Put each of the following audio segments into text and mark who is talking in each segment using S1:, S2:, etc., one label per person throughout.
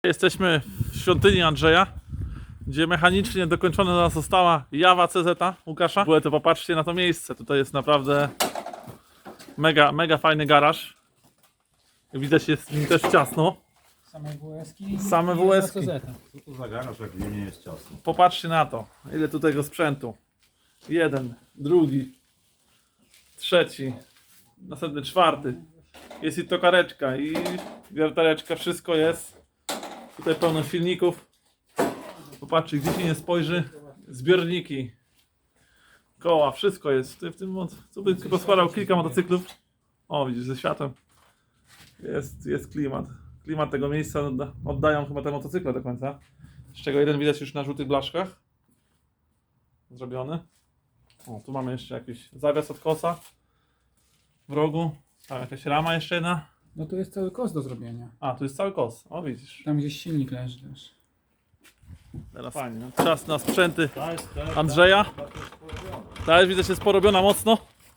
S1: Jesteśmy w świątyni Andrzeja, gdzie mechanicznie dokończona została Jawa CZ Łukasza. W ogóle to popatrzcie na to miejsce, tutaj jest naprawdę mega fajny garaż. Jak widać, jest w nim też ciasno.
S2: Same WS-ki.
S1: Same WS-ki.
S3: Co to za garaż, jak w nie jest ciasno?
S1: Popatrzcie na to, ile tu tego sprzętu. Jeden, drugi, trzeci, następny czwarty. Jest i tokareczka, i wiertareczka, wszystko jest. Tutaj pełno silników. Popatrzcie, gdzie się nie spojrzy. Zbiorniki, koła, wszystko jest. Tutaj w tym co by rozkładał kilka motocyklów. O, widzisz, ze światłem. Jest klimat. Klimat tego miejsca oddają chyba te motocykle do końca. Z czego jeden widać już na żółtych blaszkach. Zrobiony. O, tu mamy jeszcze jakiś zawias od kosa w rogu. Tam jakaś rama jeszcze jedna.
S2: No tu jest cały kos do zrobienia.
S1: A, tu jest cały kos. O, widzisz.
S2: Tam gdzieś silnik leży też.
S1: Teraz fajnie. No. Czas na sprzęty Andrzeja. Ta już widzę, jest porobiona mocno.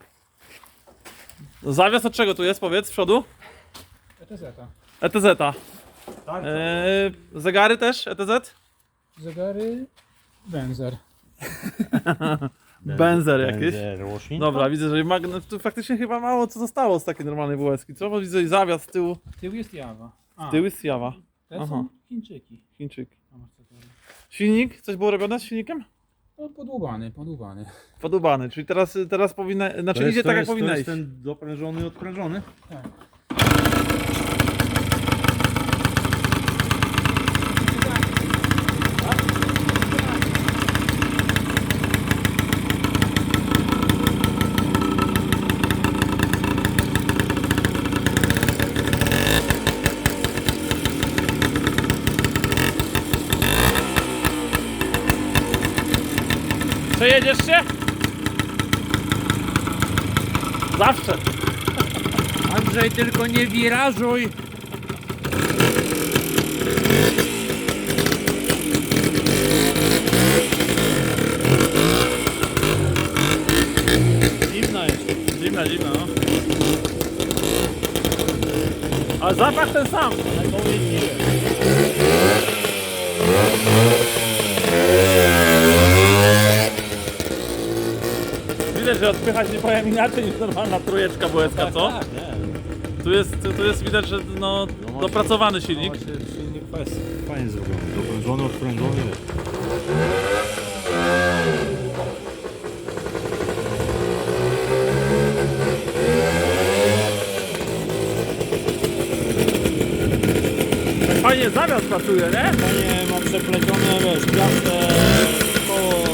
S1: Zawias od czego tu jest, powiedz, z przodu?
S2: ETZ-a.
S1: ETZ. Zegary też ETZ?
S2: Zegary. Benzer.
S1: Benzer jakieś.
S3: Roślin?
S1: Dobra, widzę, że tu faktycznie chyba mało co zostało z takiej normalnej WS-ki. Co? Bo widzę zawias z tyłu.
S2: Tył jest Jawa.
S1: Z tyłu jest Jawa.
S2: Te
S1: Aha.
S2: są Chińczyki.
S1: Chińczyk.
S2: Amortyzatory.
S1: Silnik? Coś było robione z silnikiem?
S2: No podłubany.
S1: Podubany, czyli teraz powinna, znaczy idzie tak jak powinna
S3: to
S1: iść.
S3: jest ten doprężony i odprężony?
S2: Tak.
S1: Przejedziesz się? Zawsze.
S3: Andrzej, tylko nie wirażuj!
S1: Zimna jest. Zimna, no. Ale zapach ten sam. Widać, że odpychać nie powiem inaczej niż normalna trójeczka WS-ka, co? Tu jest widać, że no, dopracowany silnik.
S3: Silnik fajnie zrobiony, doprężony, odprężony.
S1: Fajnie zawias pracuje, nie?
S3: Fajnie ma przeplecione, wiesz, piastę, koło...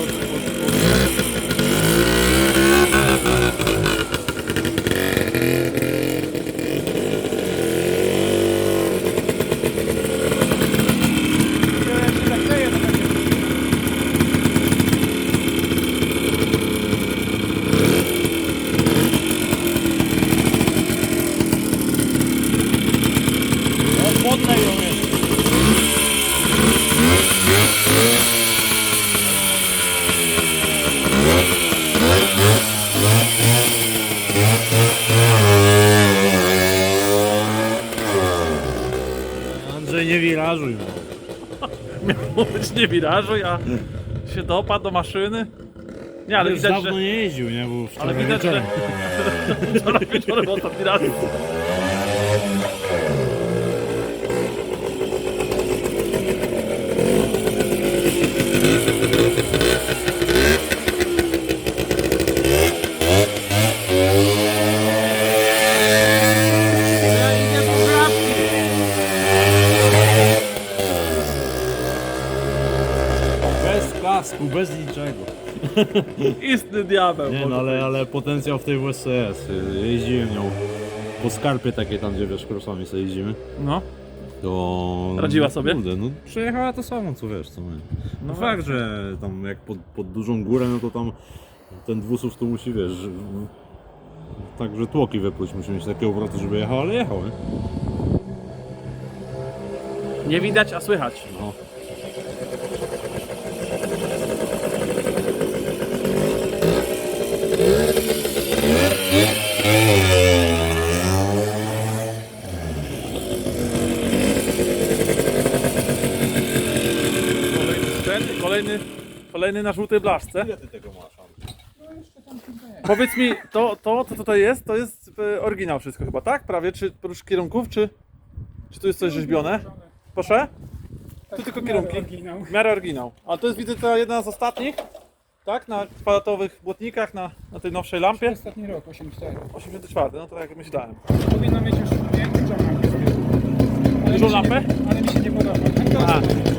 S3: Podlej ją jest. Andrzej, nie wirażuj.
S1: Miało być nie wirażuj, a się dopadł do maszyny. Nie, ale
S3: Już
S1: widać,
S3: dawno
S1: że...
S3: nie jeździł, nie? Bo
S1: Ale
S3: wczoraj
S1: widać, że...
S3: wieczorem.
S1: Wczoraj wieczorem ostatni raz.
S3: Bez kasku, bez niczego.
S1: Istny diabeł.
S3: Nie no, ale potencjał w tej WSC jest. Jeździłem nią po skarpie takiej tam, gdzie wiesz, crossami sobie jeździmy.
S1: No,
S3: To...
S1: Radziła sobie?
S3: Kurde, no przejechała to samo, co wiesz, co my.
S1: No
S3: No fakt, że tam jak pod dużą górę, no to tam ten dwusów tu musi, wiesz, także tłoki wypluć, musi mieć takie obroty, żeby jechał, ale jechał, nie?
S1: nie widać, a słychać.
S3: No.
S1: Kolejny na żółtej blaszce.
S3: Ile ty tego masz, Andrzej?
S2: No jeszcze tam kilka jest.
S1: Powiedz mi, co tutaj jest, to jest oryginał wszystko chyba, tak? Prawie, czy oprócz kierunków, czy tu jest coś rzeźbione? Proszę? Tu tylko kierunki.
S2: Oryginał.
S1: W miarę oryginał. A to jest, widzę, to jedna z ostatnich, tak? Na kwadratowych błotnikach, na tej nowszej lampie.
S2: Ostatni rok, 84.
S1: 84, no to tak jak myślałem.
S2: Powinno mieć już większą lampę z tyłu. Ale
S1: Dużą
S2: mi się
S1: lampę?
S2: Ale mi się nie podoba.
S1: A.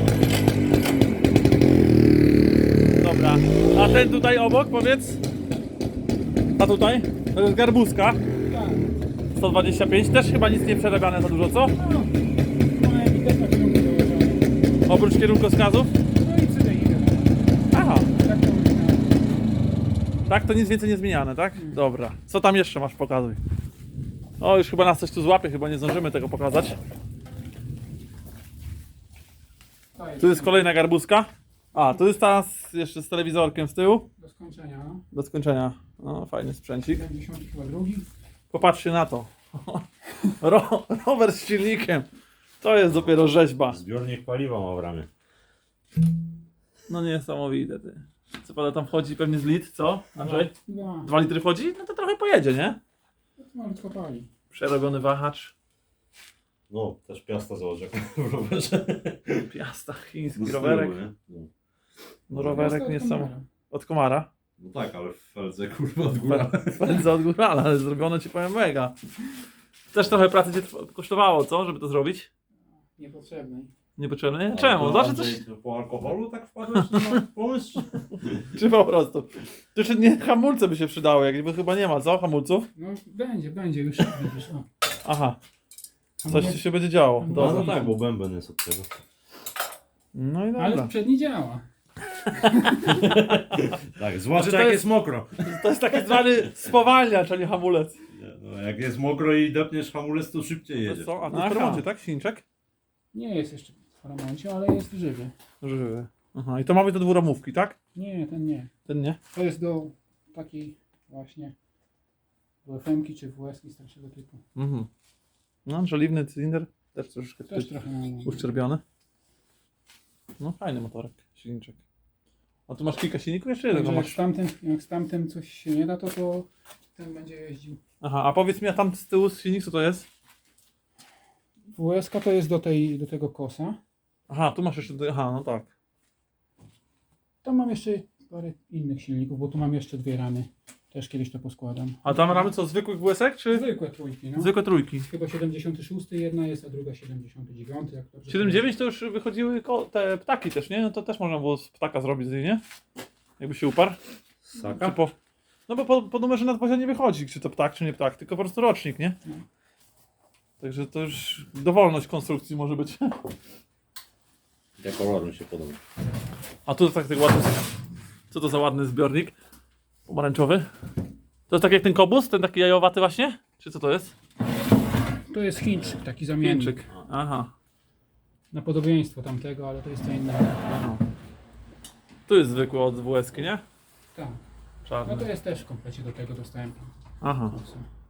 S1: Dobra. A ten tutaj obok, powiedz? A tutaj? To jest garbuzka.
S2: Tak.
S1: 125, też chyba nic nie przerabiane za dużo, co?
S2: No, ma ewidentnie kierunki dołożone.
S1: Oprócz kierunkowskazów?
S2: No i CDI.
S1: Aha,
S2: Tak to oryginał.
S1: tak to nic więcej nie zmieniane, tak? Dobra. Co tam jeszcze masz, pokazuj. O, już chyba nas coś tu złapie, chyba nie zdążymy tego pokazać. Tu jest kolejna garbuzka. A, tu jest ta jeszcze z telewizorkiem z tyłu.
S2: Do skończenia, no.
S1: Do skończenia. No, fajny sprzęcik.
S2: 70 chyba drugi.
S1: Popatrzcie na to. Rower z silnikiem. To jest dopiero rzeźba.
S3: Zbiornik paliwa ma w ramię.
S1: No niesamowite, ty. Co pada tam wchodzi pewnie z litr, co? Andrzej?
S2: No,
S1: 2 litry wchodzi? No to trochę pojedzie, nie?
S2: to malutko pali.
S1: Przerobiony wahacz.
S3: No, też Piasta zobacz jak w rowerze.
S1: Piasta, chiński
S3: No z tyłu,
S1: rowerek.
S3: nie? No.
S1: No rowerek
S2: Prosto od
S1: niesamowity.
S2: komara.
S1: Od komara.
S3: No tak, ale w Feldze kurwa od góra.
S1: Spędza od górala, ale zrobione ci powiem mega. Też trochę pracy cię kosztowało, co? Żeby to zrobić?
S2: Niepotrzebnej.
S1: Niepotrzebne? Nie? Czemu? Zawsze coś...
S3: Po alkoholu tak wpadłeś na pomysł?
S1: Czy po prostu? To jeszcze nie hamulce by się przydały, jakby chyba nie ma, co? Hamulców?
S2: No będzie, już widzisz. O.
S1: Aha,
S2: A
S1: coś
S2: mnie-
S1: tu się będzie działo.
S3: No,
S1: Dobra.
S3: no tak, bo bęben jest od tego.
S1: No i
S2: Ale
S1: dobra.
S2: przedni działa.
S3: Tak, zwłaszcza
S1: to
S3: jak
S1: jest-
S3: jest mokro.
S1: To jest taki zwany spowalniacz, a nie hamulec.
S3: Nie, no, jak jest mokro i depniesz hamulec, to szybciej
S1: To
S3: jedziesz.
S1: co? A to
S2: Aha.
S1: jest w remoncie, tak? Silniczek?
S2: Nie jest jeszcze w remoncie, ale jest żywy.
S1: Żywy. Aha, i to ma być do dwuramówki, tak?
S2: Nie, ten nie.
S1: Ten nie?
S2: To jest do takiej właśnie do FM-ki czy WS-ki starszego typu.
S1: Mhm. No, żeliwny cylinder, też troszeczkę
S2: Też
S1: tutaj
S2: trochę mało.
S1: uszczerbiony. No fajny motorek, silniczek. A tu masz kilka silników? Jeszcze jeden
S2: Także
S1: masz.
S2: jak z tamtym coś się nie da, to ten będzie jeździł.
S1: Aha, a powiedz mi, a tam z tyłu silnik co to jest?
S2: WS-ka to jest do tego kosa.
S1: Aha, tu masz jeszcze, aha, no tak.
S2: Tam mam jeszcze parę innych silników, bo tu mam jeszcze dwie ramy. Też kiedyś to poskładam.
S1: A tam ramy co, zwykłych WS-ek, czy?
S2: Zwykłe trójki, no.
S1: Zwykłe trójki.
S2: Chyba 76 jedna jest, a druga 79. Jak dobrze
S1: 7.9 to już wychodziły te ptaki też, nie? No to też można było z ptaka zrobić z niej, nie? Jakby się uparł. Czy
S3: Saka?
S1: no bo po numerze nadwozia nie wychodzi, czy to ptak, czy nie ptak, tylko po prostu rocznik, nie?
S2: No.
S1: Także to już dowolność konstrukcji może być.
S3: Ja kolor mi się podoba.
S1: A tu tak ładny. Co to za ładny zbiornik? Pomarańczowy. To jest tak jak ten kobus, ten taki jajowaty właśnie? Czy co to jest?
S2: To jest Chińczyk, taki zamiennik.
S1: Chińczyk. Aha.
S2: Na podobieństwo tamtego, ale to jest co innego.
S1: Aha. Tu jest zwykły od WS-ki, nie?
S2: Tak.
S1: Czarny.
S2: No to jest też w komplecie do tego dostępny.
S1: Aha.
S2: Kosa.